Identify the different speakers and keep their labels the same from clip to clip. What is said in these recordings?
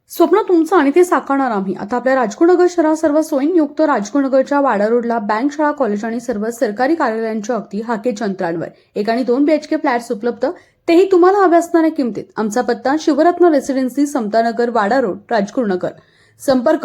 Speaker 1: स्वप्न तुमचं आणि ते साकारणार आम्ही. आता आपल्या राजगुरुनगर शहरात सर्व सोयींयुक्त राजगुरुनगरच्या वाडा रोडला बँक, शाळा, कॉलेज आणि सर्व सरकारी कार्यालयांच्या अगदी हाकेच्या अंतरांवर 1 आणि 2 BHK फ्लॅट्स उपलब्ध, तेही तुम्हाला हव्या असणाऱ्या किमतीत. आमचा पत्ता शिवरत्न रेसिडेन्सी, समतानगर, वाडा रोड, राजगुरुनगर. संपर्क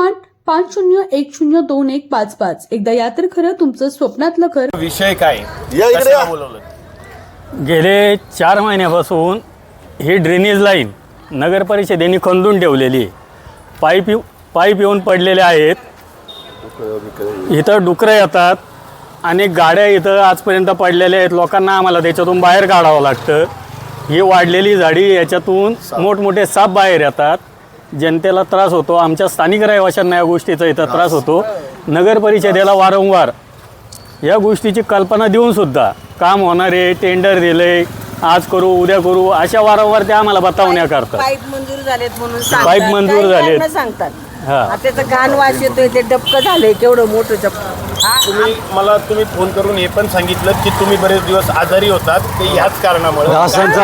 Speaker 1: 9850102155. एकदा या तर खरं तुमचं स्वप्नातलं घर.
Speaker 2: विषय काय
Speaker 3: या
Speaker 2: बोलवलं?
Speaker 4: गेले 4 महिन्यापासून ही ड्रेनेज लाईन नगर परिषदेने खंदून ठेवलेली आहे. पाईप येऊन पडलेले आहेत. इथं डुकरं येतात. अनेक गाड्या इथं आजपर्यंत पडलेल्या आहेत. लोकांना आम्हाला त्याच्यातून बाहेर काढावं लागतं. ही वाढलेली झाडी, याच्यातून मोठमोठे साप बाहेर येतात. जनतेला त्रास होतो. आमच्या स्थानिक रहिवाशांना या गोष्टीचा इथं त्रास होतो. नगर परिषदेला वारंवार या गोष्टीची कल्पना देऊनसुद्धा काम होणारे, टेंडर दिले, आज करू उद्या करू, अशा वारंवार ते आम्हाला बतावण्या करतात.
Speaker 5: पाईप मंजूर झालेत म्हणून सांगतात.
Speaker 4: पाईप मंजूर झालेत.
Speaker 5: सांगतात.
Speaker 4: हा.
Speaker 5: त्याचं घाण वास येतोय, ते डबकं झालंय केवढं मोठं डबकं.
Speaker 2: तुम्ही फोन करून हे पण सांगितलं की तुम्ही बरेच दिवस आजारी होतात, ते ह्याच कारणामुळे.
Speaker 4: डासांचा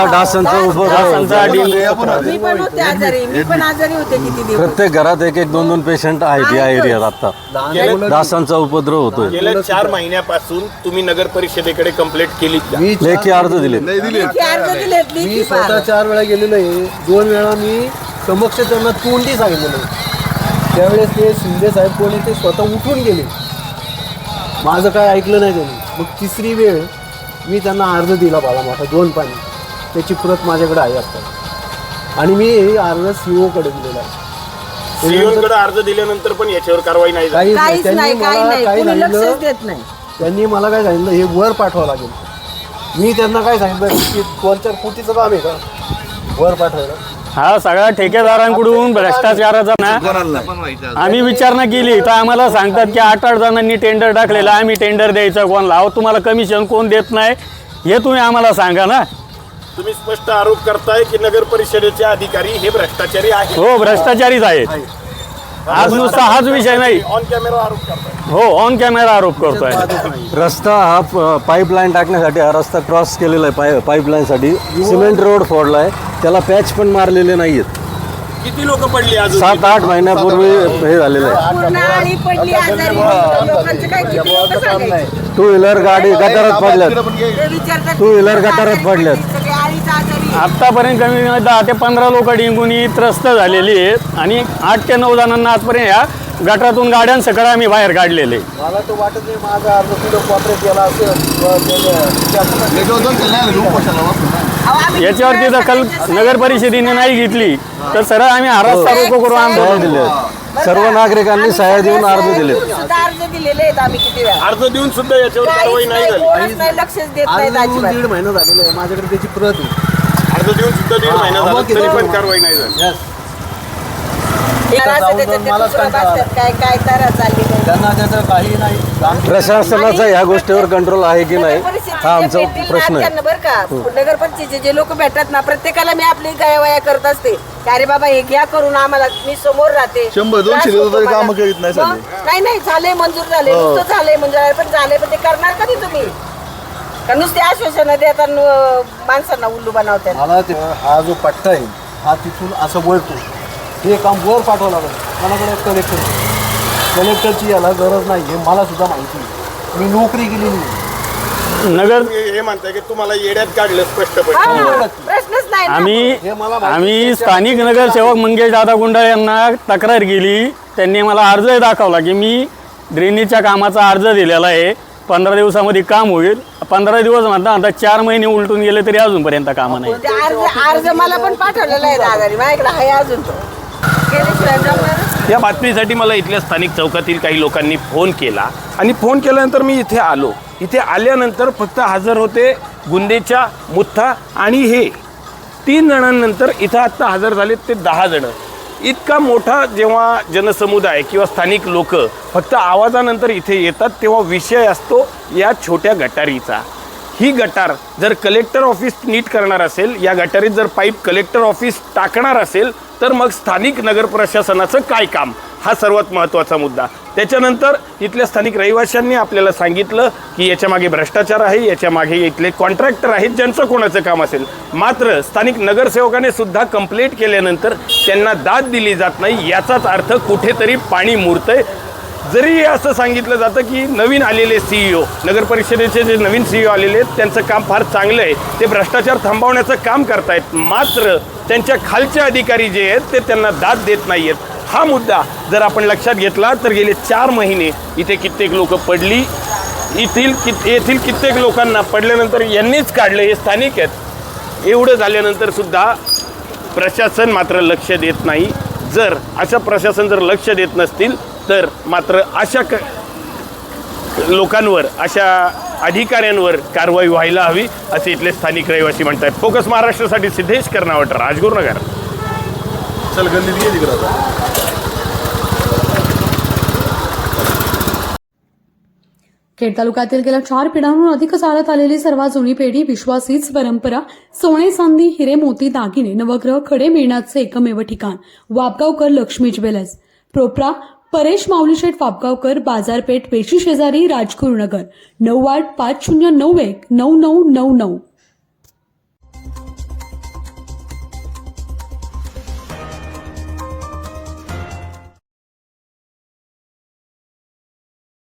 Speaker 5: मी पण होते आजारी, मी पण आजारी होते किती दिवस.
Speaker 3: प्रत्येक घरात 1-2 पेशंट आहेत या एरियात आता. डासांचा उपद्रव होतोय.
Speaker 2: गेल्या 4 महिन्यापासून तुम्ही नगर परिषदेकडे कंप्लेंट केली का?
Speaker 3: लेखी अर्ज दिले.
Speaker 5: लेखी अर्ज दिलेत,
Speaker 6: मी
Speaker 5: लेखी
Speaker 6: स्वतः 4 वेळा गेलेलो आहे. 2 वेळा मी समक्ष त्यांना तोंडी सांगितलेलं आहे. त्यावेळेस ते शिंदे साहेब कोणी ते स्वतः उठून गेले. माझं काय ऐकलं नाही त्यांनी. मग 3री वेळ मी त्यांना अर्ज दिला बाला मोठा 2 पाणी. त्याची प्रत माझ्याकडे आहे आता. आणि मी अर्ज CO कडे दिलेला आहे.
Speaker 2: सीओकडे अर्ज दिल्यानंतर पण याच्यावर कारवाई नाही झाली.
Speaker 5: काहीच नाही, काही नाही,
Speaker 6: काय
Speaker 5: कोणी लक्षच
Speaker 6: सांगितलं,
Speaker 5: देत नाही.
Speaker 6: त्यांनी मला काय सांगितलं, हे वर पाठवावं लागेल. मी त्यांना काय सांगितलं की 2-4 कोटीचं काम आहे का वर पाठवायला.
Speaker 4: हा सगळ्या ठेकेदारांकडून भ्रष्टाचाराचा ना आम्ही विचारणा केली तर आम्हाला सांगतात की 8 जणांनी टेंडर टाकलेलं, आम्ही टेंडर द्यायचं कोणाला? अहो, तुम्हाला कमिशन कोण देत नाही हे तुम्ही आम्हाला सांगा ना.
Speaker 2: तुम्ही स्पष्ट आरोप करताय की नगर परिषदेचे अधिकारी हे भ्रष्टाचारी आहेत.
Speaker 4: हो, भ्रष्टाचारीच आहेत. आज नुसता हाच विषय नाही,
Speaker 2: ऑन कॅमेरा आरोप करताय.
Speaker 4: हो, ऑन कॅमेरा आरोप करतोय.
Speaker 3: रस्ता हा पाईपलाईन टाकण्यासाठी हा रस्ता क्रॉस केलेला आहे. पाईपलाईनसाठी सिमेंट रोड फोडला आहे. त्याला पॅच पण मारलेले नाहीयेत.
Speaker 2: किती लोक पडली अजून?
Speaker 3: 7-8 महिन्यापूर्वी हे झालेलं आहे.
Speaker 5: पूर्ण आळी पडली, आजारी लोकांचं काय किती लोकं सांगायचे.
Speaker 3: 2 व्हीलर गाडी गटारात पडल्यात.
Speaker 5: ते विचारतात,
Speaker 3: 2 व्हीलर गटारात पडल्यात.
Speaker 5: सगळे आळीचं आजारी.
Speaker 4: आत्तापर्यंत कमी 10 ते 15 लोक डेंगूनी त्रस्त झालेली आहेत आणि 8 ते 9 जणांना आजपर्यंत या गटारातून गाड्यांसकट आम्ही बाहेर काढलेले.
Speaker 6: मला तर वाटत नाही माझा अर्ज कुठं कॉपरेट केला असेल.
Speaker 4: याच्यावरती दखल नगर परिषदेने नाही घेतली तर सरळ आम्ही हरास्ता रोको करू
Speaker 3: सह्या
Speaker 4: आंदोलन.
Speaker 3: दिले. सर्व नागरिकांनी सह्या देऊन अर्ज दिले.
Speaker 5: सुद्धा अर्ज दिलेले आहेत आम्ही किती वेळा.
Speaker 2: अर्ज देऊन सुद्धा याच्यावर कारवाई
Speaker 5: काहीच
Speaker 2: नाही
Speaker 5: नाही,
Speaker 2: झाली.
Speaker 5: कोणच नाही, लक्षच देत नाहीत
Speaker 6: आज
Speaker 5: अजिबात.
Speaker 6: 1.5 महिना झालेला आहे. माझ्याकडे त्याची प्रत आहे.
Speaker 2: अर्ज देऊन सुद्धा 1.5 महिना झाला तरी पण कारवाई नाही झाली.
Speaker 5: मला असं त्याच्यात ते
Speaker 6: मलाच
Speaker 5: कुत्रा
Speaker 6: कंटाळा.
Speaker 5: बसतात, काय तारा चालली नाही.
Speaker 6: त्यांना त्याचं काही नाही.
Speaker 3: प्रशासनाचा ह्या गोष्टीवर कंट्रोल आहे की नाही हा आमचा प्रश्न आहे.
Speaker 5: बरं का, नगर परिषदेचे जे लोक भेटतात ना, प्रत्येकाला मी आपली गायावाया करत असते. अरे बाबा हे घ्या करून, आम्हाला मी समोर राहते.
Speaker 3: 100-200
Speaker 5: त्रास होतो मला.
Speaker 3: कामं करीत नाही
Speaker 5: मग? नाही झाले, मंजूर झाले, नुसतं झाले मंजूर, पण झाले, पण ते करणार कधी तुम्ही? का नुसते आश्वासनं देतात, माणसांना उल्लू बनवतात.
Speaker 6: मला ते हा जो पट्टा आहे हा तिथून असं वळतो. हे काम वर पाठवावं लागेल. कोणाकडे कलेक्टरची याला गरज नाही हे मला सुद्धा माहिती आहे. मी नोकरी केलेली नाही.
Speaker 4: नगर
Speaker 2: हे म्हणताय की तुम्हाला येड्यात काढलं स्पष्टपणे.
Speaker 5: हा, प्रश्नच नाही ना.
Speaker 4: आम्ही स्थानिक नगरसेवक मंगेश दादा गुंडाळ यांना तक्रार केली. त्यांनी मला अर्ज दाखवला की मी ड्रेनेजच्या कामाचा अर्ज दिलेला आहे, 15 दिवसामध्ये काम होईल. 15 दिवस म्हणता 4 महिने उलटून गेले तरी अजूनपर्यंत कामं नाही.
Speaker 5: ते अर्ज मला पण पाठवलेला आहे दादानी, माझ्याकडे आहे अजून तो. गेल्याशिवाय जमणार.
Speaker 2: या बातमीसाठी मला इथल्या स्थानिक चौकातील काही लोकांनी फोन केला आणि फोन केल्यानंतर मी इथे आलो. इथे आल्यानंतर फक्त हजर होते गुंदेच्या मुथा आणि हे 3 जणांनंतर इथं आत्ता हजर झालेत ते 10 जणं. इतका मोठा जेव्हा जनसमुदाय किंवा स्थानिक लोक फक्त आवाजानंतर इथे येतात तेव्हा विषय असतो या छोट्या गटारीचा. ही गटार जर कलेक्टर ऑफिस नीट करणार असेल, या गटारीत जर पाईप कलेक्टर ऑफिस टाकणार असेल तर मग स्थानिक नगर प्रशासनाचं काय काम? हा सर्वात महत्त्वाचा मुद्दा. त्याच्यानंतर इथल्या स्थानिक रहिवाशांनी आपल्याला सांगितलं की याच्यामागे भ्रष्टाचार आहे, याच्यामागे इथले कॉन्ट्रॅक्टर आहेत ज्यांचं कोणाचं काम असेल. मात्र स्थानिक नगरसेवकाने सुद्धा कंप्लेंट केल्यानंतर त्यांना दाद दिली जात नाही. याचाच अर्थ कुठेतरी पाणी मुरतंय. जरी असं सांगितलं जातं की नवीन आलेले CEO, नगर परिषदेचे जे नवीन CEO आलेले आहेत त्यांचं काम फार चांगलं आहे, ते भ्रष्टाचार थांबवण्याचं काम करतायत, मात्र त्यांच्या खालचे अधिकारी जे आहेत ते त्यांना दाद देत नाही आहेत. हा मुद्दा जर आपण लक्षात घेतला तर गेले 4 महिने इथे कित्येक लोक पडली. येथील कित्येक लोकांना पडल्यानंतर यांनीच काढलं, हे स्थानिक आहेत. एवढं झाल्यानंतर सुद्धा प्रशासन मात्र लक्ष देत नाही. जर अशा प्रशासन जर लक्ष देत नसतील तर मात्र अशा लोकांवर, अशा अधिकाऱ्यांवर कारवाई व्हायला हवी असे इथले स्थानिक रहिवासी म्हणतात. फोकस महाराष्ट्रासाठी सिद्धेश कर्नावट, राजगुरुनगर.
Speaker 6: चल गल्लीत गेली तिकडं.
Speaker 1: खेड तालुक्यातील गेल्या 4 पिढ्यांहून अधिक चालत आलेली सर्वात जुनी पेढी, विश्वास हीच परंपरा, सोने चांदी हिरे मोती दागिने नवग्रह खडे मिळण्याचे एकमेव ठिकाण वापगावकर लक्ष्मी ज्वेलर्स. प्रोप्रा परेश माऊलीशेठ वापगावकर, बाजारपेठ पेशी शेजारी, राजगुरुनगर. 9850919999.